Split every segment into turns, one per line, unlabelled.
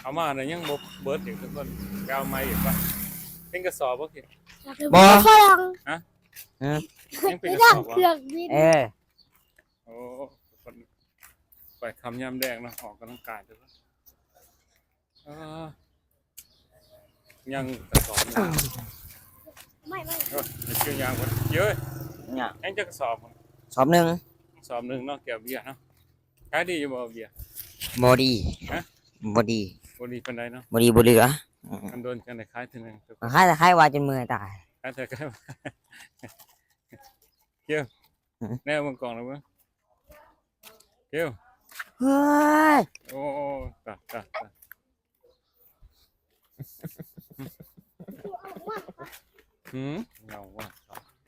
เอามาเนี่ยยังบ่เบิดอีกทุกคนเอามาอีกป่ะเป็นกระสอบบ่คิด
บ่
ฝรั่ง
ยังเป็น
ไม่
กระ
ได้
สอบ
เค
อ่ะ
รื่องบิน
โอ้ทุกคนไปทำยำแดงเนาะออกกำลังกายทุกคนยังกระสอบนึง
ไม่
เกี่ยวยางคนเยอะ
เนี่ย
ยังจะกระสอบ
สอบหนึ่ง
สอบหนึ่งเนาะเกี่ยวเบียร์เนาะขายดีอยู่บ่เบียร์
บอดี
ฮะ
บอดี
บ่ดีปานใดเนาะ
บอดีบเหลือ
มันโดนกันได้ขายทีนึงทุกคน
ค่ายแต่ค่ายว่าจนมือตาย
ขายเถอะก็ได้เกี่ยวแน่มึงกล่องแล้วมั้งเกี่ยว
เฮ้ย
โอ้ตาเงาว่ะ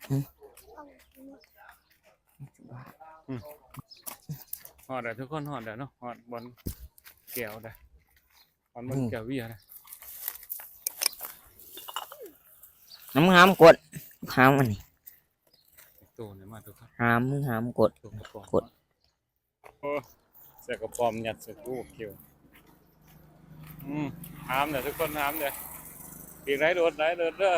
หอดได้ทุกคนหอดได้เนาะหอดบอลแก้วได้หอดบอลแก้วเบียร์ได้
น้ำห้ามกดห้ามอันนี้
ตัวเนี่ยมาทุกคน
ห้ามกด
ตัวกระป๋อง
กด
โอ้เสียกระป๋อมยัดใส่ตู้เกี่ยวห้ามเนี่ยทุกคนห้ามเนี่ยปีกไรโดดเด้อ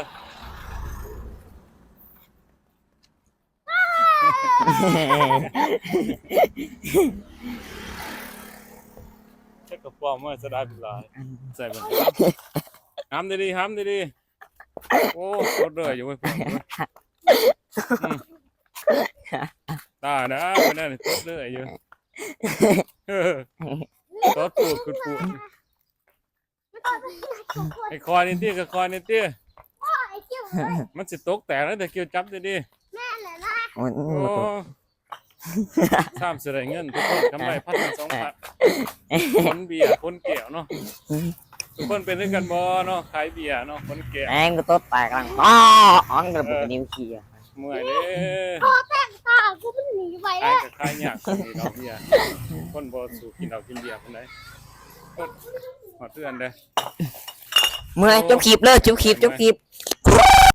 เช็คกระป๋อมว่าจะได้เป็นลายใส่มันห้ามดีโอ้โคตรเลยอยู่ไม่พอตานะไม่ได้โคตรเลยอยู่โคตรปูดคุณปูดไอ้คอยนี่ตี้กับคอยนี่ตี้
ไอ้เจ้า
มันสิตกแตกแล้วแต่เกี่ยวจับดี
แม่เลยนะ
โอ้ย
ๆโอ้ข้ามเสียเงินทุกคนกำไร1,200คนเบียร์คนแก้วเนาะทุกคนเป็นด้วยกันบ่เนาะขายเบียร์เนาะคนแก้ว
แองก็ต้นแตกลังอ้อนกระปุกนิ้วขี้อ่ะ
เมื่อยเด้
ตากูมันหนีไป
ขาย
แล้ว
กับขายยากคนนี้เราเบียร์คนบ่สู่กินเรากินเบียร์คนไหนหอดเตือนเด้
เมื่อยจบคลิปเลยจบคลิป